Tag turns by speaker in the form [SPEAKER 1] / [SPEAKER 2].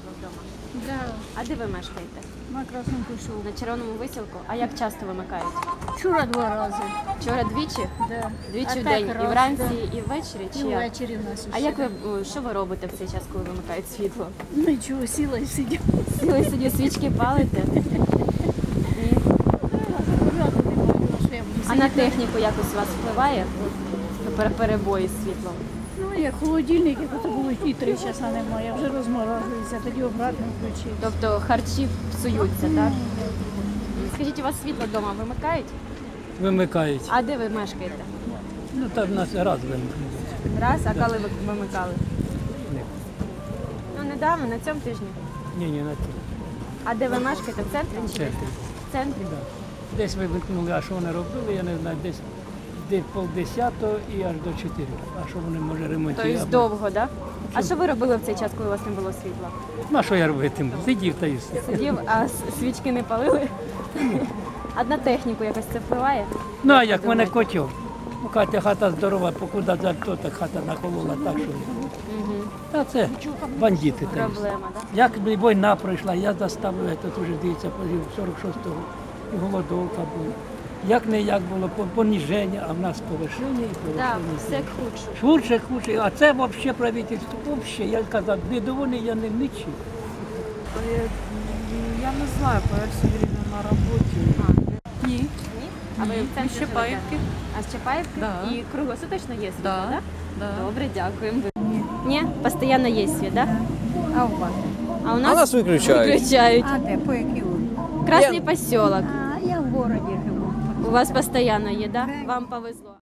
[SPEAKER 1] світло вдома?
[SPEAKER 2] Да,
[SPEAKER 1] А де ви мешкаєте?
[SPEAKER 2] на Красному Кущу.
[SPEAKER 1] На Червоному висілку? А як часто вимикають?
[SPEAKER 2] Вчора 2 рази.
[SPEAKER 1] Вчора двічі?
[SPEAKER 2] Да.
[SPEAKER 1] Двічі
[SPEAKER 2] А
[SPEAKER 1] в
[SPEAKER 2] так
[SPEAKER 1] день? І
[SPEAKER 2] раз,
[SPEAKER 1] вранці,
[SPEAKER 2] да.
[SPEAKER 1] і ввечері?
[SPEAKER 2] І
[SPEAKER 1] Чи як?
[SPEAKER 2] ввечері в нас.
[SPEAKER 1] А як ви, що ви робите в цей час, коли вимикають світло?
[SPEAKER 2] Нічого, сіла і сиділа.
[SPEAKER 1] Сіли собі свічки палите? Ні. А на техніку якось у вас впливає перебої з світлом?
[SPEAKER 2] Ну, як холодильник, як то було і 3 часа немає, вже розморожується, тоді обратно включив.
[SPEAKER 1] Тобто харчі псуються, так? Скажіть, у вас світло вдома вимикають?
[SPEAKER 3] Вимикають.
[SPEAKER 1] А де ви мешкаєте?
[SPEAKER 3] Ну так в нас раз вимкнули.
[SPEAKER 1] Раз, а коли ви вимикали?
[SPEAKER 3] Ні.
[SPEAKER 1] Ну, недавно, на цьому тижні.
[SPEAKER 3] Ні, на ті.
[SPEAKER 1] А де ви мешкаєте? В центрі чи десь?
[SPEAKER 3] центрі.
[SPEAKER 1] В центрі?
[SPEAKER 3] Да. Десь вимкнули, а що вони робили, я не знаю, десь півдесятого і аж до 4. А що вони може ремонтувати?
[SPEAKER 1] Тобто довго, так? А що ви робили в цей час, коли у вас не було світла?
[SPEAKER 3] Ну, а що я робитиму? Сидів та й все.
[SPEAKER 1] Сидів, а свічки не палили? А на техніку якось це впливає?
[SPEAKER 3] Ну, а як в мене котів? Ну, Катя хата здорова, покуди за то, так хата наколола, так що. Та це бандити. та й все.
[SPEAKER 1] Проблема, так?
[SPEAKER 3] Як війна пройшла, я заставив, тут вже дивіться, 46-го, і голодовка була. Як не як було, поніження, а в нас повишення і
[SPEAKER 1] Так,
[SPEAKER 3] повишення.
[SPEAKER 1] все худше.
[SPEAKER 3] Хуже. А це взагалі правительство, взагалі, я казав, недовольний я не нічим.
[SPEAKER 4] Я не знаю, я все время на работе. Ні.
[SPEAKER 1] Ні? А ви в центрі
[SPEAKER 4] Щепаївки.
[SPEAKER 1] живете? А з Чапаївки?
[SPEAKER 4] Да.
[SPEAKER 1] І круглосуточно є світло,
[SPEAKER 4] Да.
[SPEAKER 1] так?
[SPEAKER 4] Да.
[SPEAKER 1] Добре, дякуємо. Ні? Постійно є світ, так?
[SPEAKER 2] А у вас?
[SPEAKER 1] А у
[SPEAKER 5] А нас виключають.
[SPEAKER 1] виключають.
[SPEAKER 2] А де, по якій вулиці?
[SPEAKER 1] Красний поселок.
[SPEAKER 2] А я в городі живу.
[SPEAKER 1] У вас постійно є, так? Вам повезло.